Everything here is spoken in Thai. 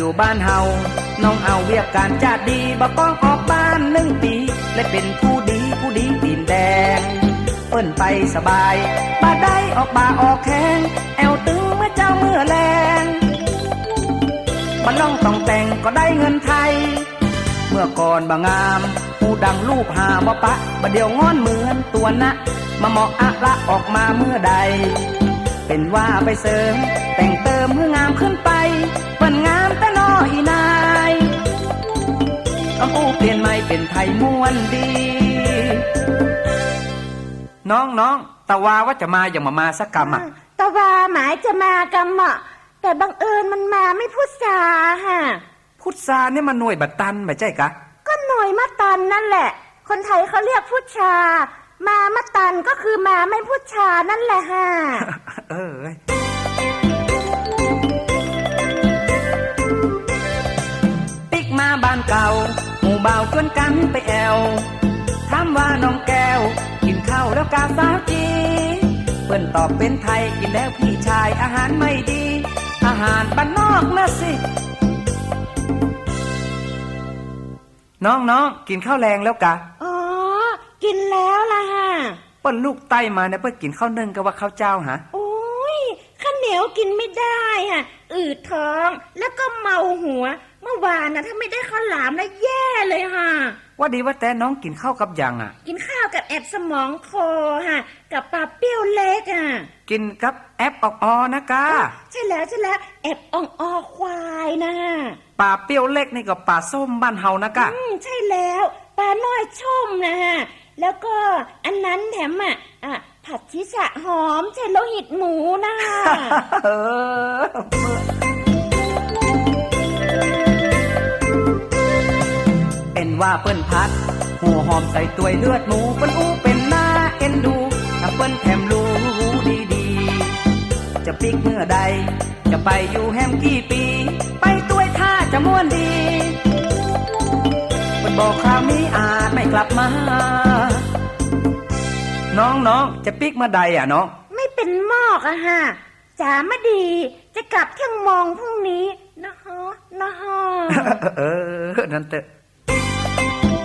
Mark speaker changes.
Speaker 1: อยู่บ้านเฮาน้องเอาเวียกการจาดดีบ่ต้องออกบ้าน1 ปีและเป็นผู้ดีตีนแดงเปิ้นไปสบายบ่ได้ออกบ่าออกแข้งแอวตึงเมื่อเจ้าเมื่อแลงบ่ล่องต้องแต่งก็ได้เงินไทยเมื่อก่อนบ่งามหูดังรูปหาบ่ปะบ่เดียวงอนเหมือนตัวนะมาเหมาะอะละออกมาเมื่อใดเป็นว่าไปเสริมแต่งเติมเมื่องามขึ้นไปเปิ้นงามแต่น้อยนายคำอู้เปลี่ยนใหม่เป็นไทยม้วนดีน้องตะวาว่าจะมาอย่างมาสักกรรมอ่ะ
Speaker 2: ตะวาหมายจะมากรรมอ่ะแต่บังเอิญมันมาไม่พุทธาฮะ
Speaker 1: พุทธาเนี่ยมันหน่วยบัตตันไม่ใช่กะ
Speaker 2: ก็หน่วยมะตันนั่นแหละคนไทยเขาเรียกพุทธามามะตันก็คือมาไม่พุทธานั่นแหละฮะ
Speaker 1: ติ๊กมาบ้านเก่าหมู่บ่าวชวนกันไปแอวถามว่าน้องแก้วกินข้าวแล้วกาสาวจีเปิ้นตอบเป็นไทยกินแล้วพี่ชายอาหารไม่ดีอาหารบ้านนอกนะสิน้องกินข้าวแรงแล้วกะ
Speaker 2: อ๋อกินแล้วล่ะฮะ
Speaker 1: เปิ้นลูกไต้มาเนี่ยเปิ้นกินข้าวนึ่งกับว่าข้าวเจ้าฮะ
Speaker 2: โอ้ยข้าวเหนียวกินไม่ได้ฮะอืดท้องแล้วก็เมาหัวเมื่อวานนะถ้าไม่ได้ข้าวหลามแล้วแย่เลยฮะ
Speaker 1: ว่าดีว่าแต่น้องกินข้าวกับยังอ่ะ
Speaker 2: กินข้าวกับแอบสมองโคฮะกับปลาเปรี้ยวเล็กอ่ะ
Speaker 1: กินกับแอบออกนะกา
Speaker 2: ใช่แล้วแอบอ่องควายนะ
Speaker 1: ปลาเปรี้ยวเล็กนี่ก็ปลาส้มบ้านเฮานะกะ
Speaker 2: ใช่แล้วปลาน้อยชมนะฮะแล้วก็อันนั้นแถมผัดชิชะหอมใช่โลหิตหมูนะ
Speaker 1: เป็นว่าเปิ้นพัดหัวหอมใส่ตัวยเลือดหมูเปิ้นอู้เป็นหน้าเอ็นดูถ้าเปิ้นแถมรู้ดีๆจะปิกเมื่อใดจะไปอยู่แฮมกี่ปีไปตัวยท่าจะม่วนดีเปิ้นบอกคราวนี้อาจไม่กลับมาน้องจะปิกเมื่อใดอ่ะน้อง
Speaker 2: ไม่เป็นหมอกอะฮะจ๋ามาดีจะกลับเที่ยงมองพรุ่งนี้นะฮะ
Speaker 1: นั่นเถอะ